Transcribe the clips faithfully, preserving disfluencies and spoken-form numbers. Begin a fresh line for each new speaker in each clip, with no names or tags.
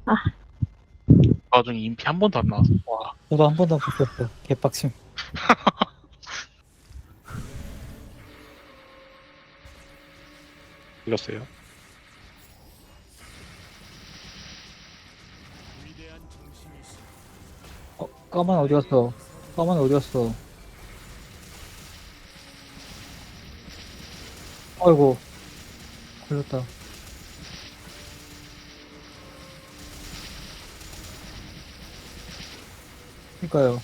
나중에 인피 한 번도 안 나왔어. 와,
저도 한 번도 안 붙었어. 개빡침.
불렀어요.
어, 까만 어디 갔어? 까만 어디 갔어? 아이고, 걸렸다. 그니까요.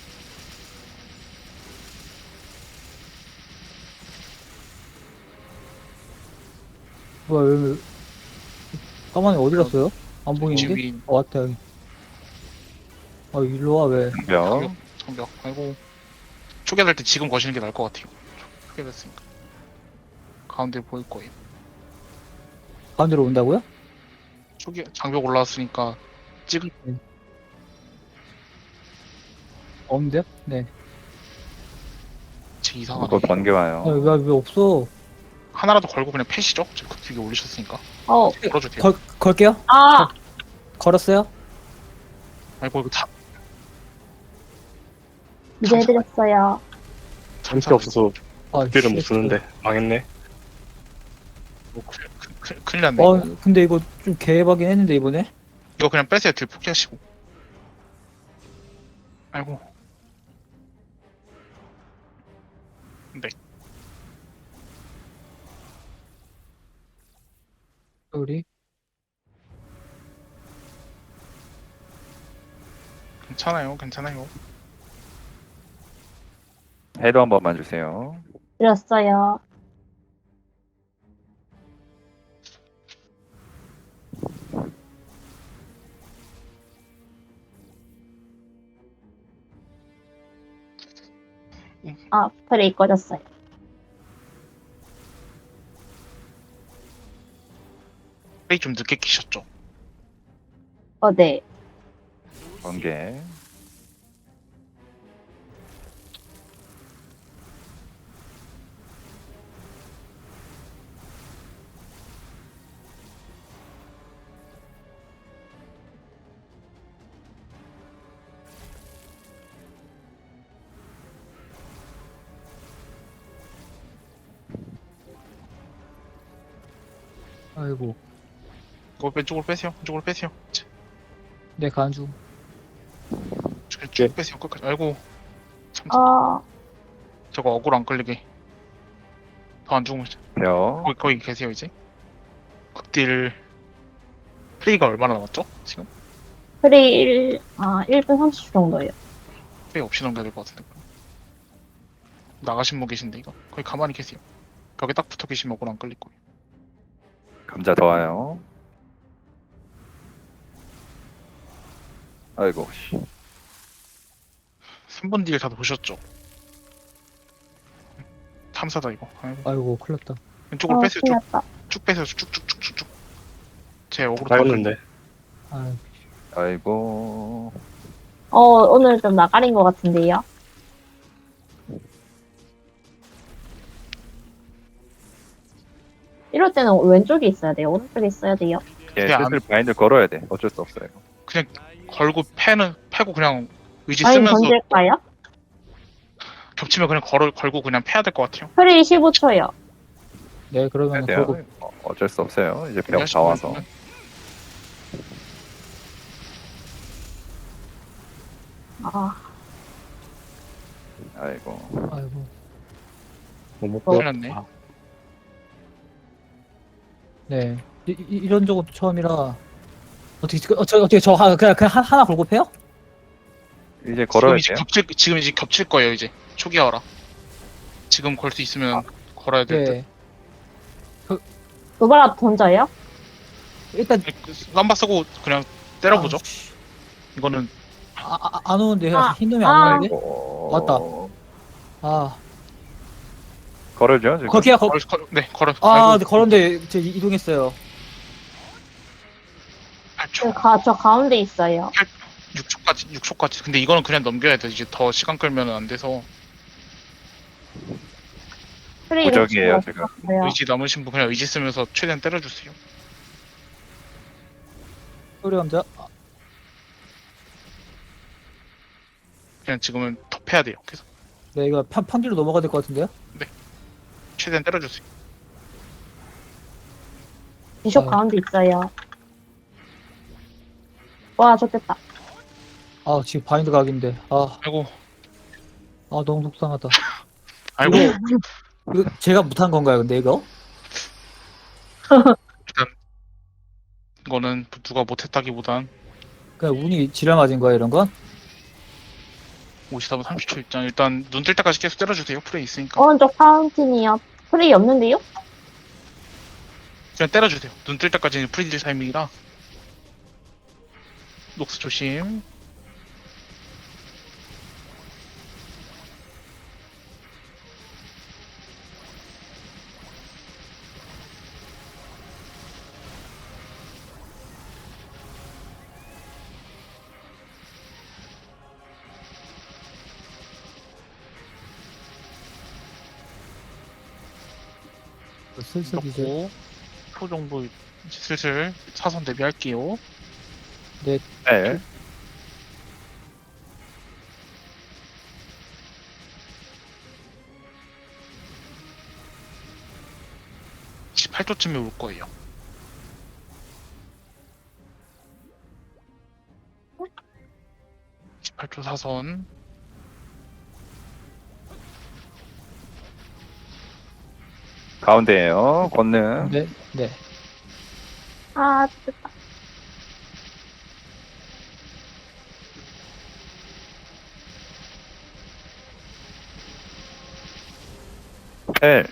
뭐야, 왜, 까만이 어디 갔어요? 안 보이는데?
지금
어, 왔다, 여기. 아, 일로 와, 왜.
명.
장벽, 장벽. 아이고. 초기화될 때 지금 거시는 게 나을 것 같아요. 초기화됐으니까. 가운데 보일 거예요.
가운데로 온다고요?
초기 장벽 올라왔으니까 찍을
없는데요? 네.
제 이상하네.
그거 번개 와요.
아, 왜, 왜 없어?
하나라도 걸고 그냥 패시죠? 지금 극딜기 올리셨으니까.
어,
걸어줄게요.
걸, 걸게요?
아,
걸었어요?
아이고 이거 다
이제 해드렸어요.
잠시 없어서
아,
딜을 못
씨.
쓰는데 망했네.
뭐 큰- 큰- 큰- 큰일 났네.
어,
이거.
근데 이거 좀 개박이긴 했는데, 이번에?
이거 그냥 빼세요. 딜 포기하시고. 아이고. 네.
우리?
괜찮아요. 괜찮아요.
해도 한 번만 주세요.
드렸어요. 아, 프레이 꺼졌어요.
플레이 좀 늦게 끼셨죠?
어, 네.
번개.
아이고.
이거 왼쪽으로 빼세요. 왼쪽으로 빼세요. 자,
네, 간주.
쭉, 쭉 빼세요. 끝까지. 아이고. 참,
어,
저거 억울 안 끌리게. 더 안 죽으면
벼.
거기, 거기 계세요 이제. 극딜 플레이가 얼마나 남았죠? 지금?
프레이 일, 아, 일 분 삼십 초 정도예요.
플레이 없이 넘겨야 될 것 같은데. 나가신 분 계신데 이거. 거기 가만히 계세요. 벽에 딱 붙어 계시면 억울 안 끌릴 거예요.
감자 더 와요. 아이고, 씨.
삼 번 딜 다 보셨죠? 탐사다 이거. 아이고.
아이고, 큰일 났다.
왼쪽으로
어,
빼세요.
큰일
쭉,
났다.
쭉 빼세요. 쭉쭉쭉쭉쭉. 제 억울로
다였는데.
아,
아이고.
어, 오늘 좀 나가린 것 같은데요. 이럴 때는 왼쪽에 있어야 돼요. 오른쪽에 있어야 돼요.
예,
그냥
슬슬 바인드 걸어야 돼. 어쩔 수 없어요.
그냥 걸고 패는 패고 그냥 의지
아니,
쓰면서
던질까요?
겹치면 그냥 걸 걸고 그냥 패야 될 것 같아요.
프레이 십오 초요.
네, 그러면
돼요.
걸고.
어, 어쩔 수 없어요. 이제 벽 다 와서.
아,
아이고.
아이고.
너무
큰일
뼈.
났네.
아,
네. 이, 이- 이런 적은 처음이라. 어떻게, 어, 저, 어떻게, 저, 하- 그냥, 그냥 하- 하나 걸고 패요?
이제
지금
걸어야
이제
돼요.
겹칠 지금 이제 겹칠 거예요 이제 초기화라. 지금 걸 수 있으면 걸어야 될 듯.
네.
도발라 던져요?
일단,
람바 쓰고 그냥 때려보죠.
아, 씨.
이거는
아, 아, 안 오는데,
아,
흰 놈이
아.
안 오는데?
아이고.
왔다. 아,
걸어줘, 지금.
거기야, 거,
걸, 걸, 네 걸어.
아,
아이고,
네, 걸었는데, 저 이- 이동했어요.
팔
저,
초,
가, 저 가운데 있어요.
육 초까지, 육 초까지. 근데 이거는 그냥 넘겨야 돼. 이제 더 시간 끌면 안 돼서
프레이를
무적이에요,
치고
지금.
없어요.
의지 남으신 분 그냥 의지 쓰면서 최대한 때려주세요.
소리 감자. 아,
그냥 지금은 덮해야 돼요. 그래서
네, 이거 편, 편기로 넘어가야 될 것 같은데요?
최대한 때려주세요.
비숍
아.
가운데 있어요. 와, 좋겠다.
아, 지금 바인드 각인데. 아,
아이고,
아, 너무 속상하다.
아이고.
이거, 이거 제가 못한 건가요, 근데 이거?
이거는 누가 못했다기보단
그냥 운이 지랄 맞은 거야, 이런 건?
오시다 분 삼십 초 입장. 일단 눈 뜰 때까지 계속 때려주세요. 프레이 있으니까.
오른쪽 파운틴이요. 프레이 없는데요?
그냥 때려주세요. 눈 뜰 때까지는 프리딜 타이밍이라. 녹스 조심.
슬슬 이제.
넣고 초 정도 이제 슬슬 사선 대비할게요.
네.
십팔 초쯤에 올 거예요. 십팔 초 사선.
가운데에요. 권능.
네, 네.
아, 좋겠다.
헬.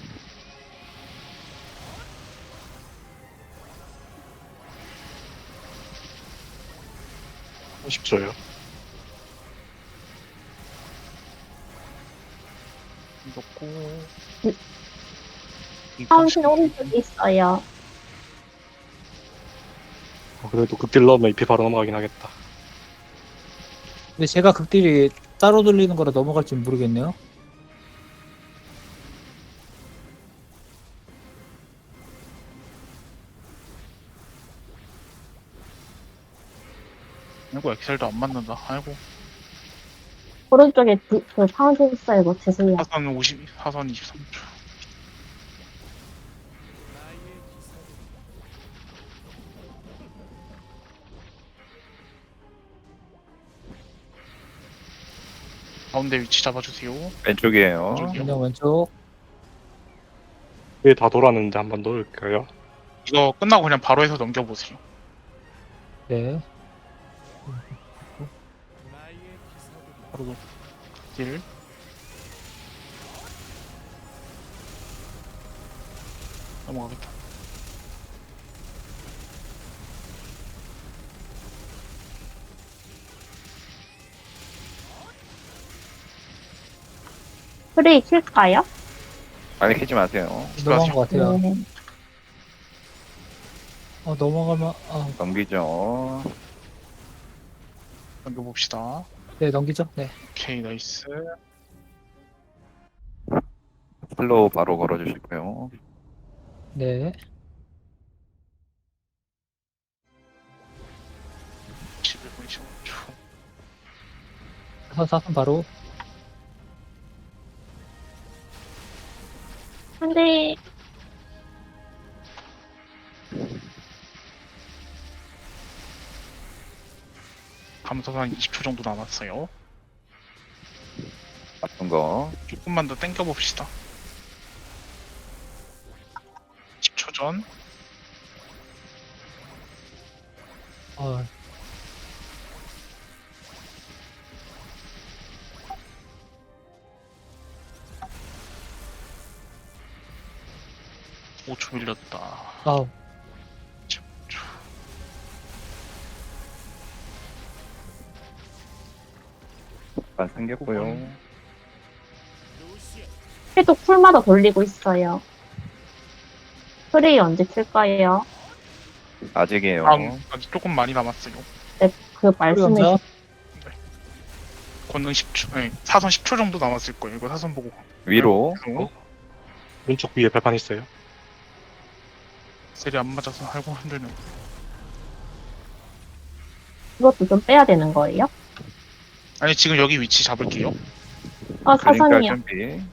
삼십 초요.
넣고.
네. 파운틴 오른쪽에 있어요.
어, 그래도 극딜 넣으면 이피 바로 넘어가긴 하겠다.
근데 제가 극딜이 따로 돌리는 거라 넘어갈지 모르겠네요.
아이고 엑셀도 안 맞는다. 아이고
오른쪽에 디, 그 파운틴 있어요. 뭐, 죄송해요.
사선 오십, 사선 이십삼 초. 가운데 위치 잡아주세요.
왼쪽이에요.
왼쪽이요?
그냥 왼쪽.
위에 다 돌았는데 한 번 넣을까요?
이거 끝나고 그냥 바로 해서 넘겨보세요.
네.
바로 딜. 넘어가겠다.
프레이 킬까요?
빨리 키지 마세요.
넘어간 것 같아요.
네.
아, 넘어가면, 아,
넘기죠.
넘겨봅시다.
네, 넘기죠? 네.
오케이, 나이스.
슬로우 바로 걸어주시고요.
네.
십일 분 이십오 초.
사, 사선 바로.
근데,
감소한 이십 초 정도 남았어요.
나쁜 거.
조금만 더 당겨봅시다. 십 초 전.
아,
오 초 밀렸다.
아우.
십 초.
안 생겼고요.
해도 쿨마다 돌리고 있어요. 프레이 언제 킬까요?
아직이에요.
다음, 아직 조금 많이 남았어요.
네, 그 말씀해
혼자.
권능 십 초, 네, 사선 십 초 정도 남았을 거예요. 이거 사선 보고.
위로.
그리고
왼쪽 위에 발판 있어요.
셀이 안 맞아서 아이고 힘들네.
이것도 좀 빼야 되는 거예요?
아니 지금 여기 위치 잡을게요.
아,
그러니까
사선이요.
준비.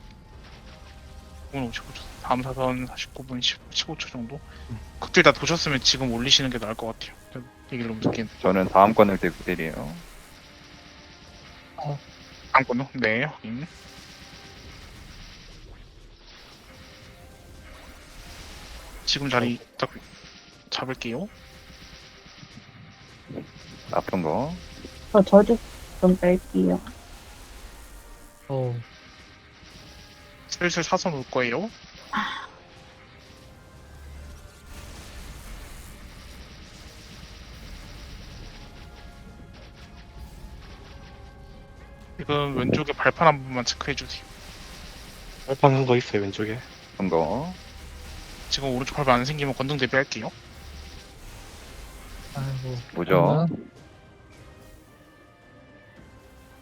오십오 초. 다음 사선 사십구 분 십오 초 정도. 극딜 다 도셨으면 지금 올리시는 게 나을 것 같아요. 얘기를 너무 듣긴.
저는 다음 건을 때 그대리에요.
다음 건요? 네, 확인. 지금 자리 딱 잡을게요.
아픈 거.
저 저주 좀 뺄게요.
어,
슬슬 사선 올 거예요. 지금 왼쪽에 발판 한 번만 체크해 주세요.
발판 한 거 있어요, 왼쪽에.
아픈 거.
지금 오른쪽 발판 안 생기면 건등 대비할게요.
아이고.
뭐죠?
그러면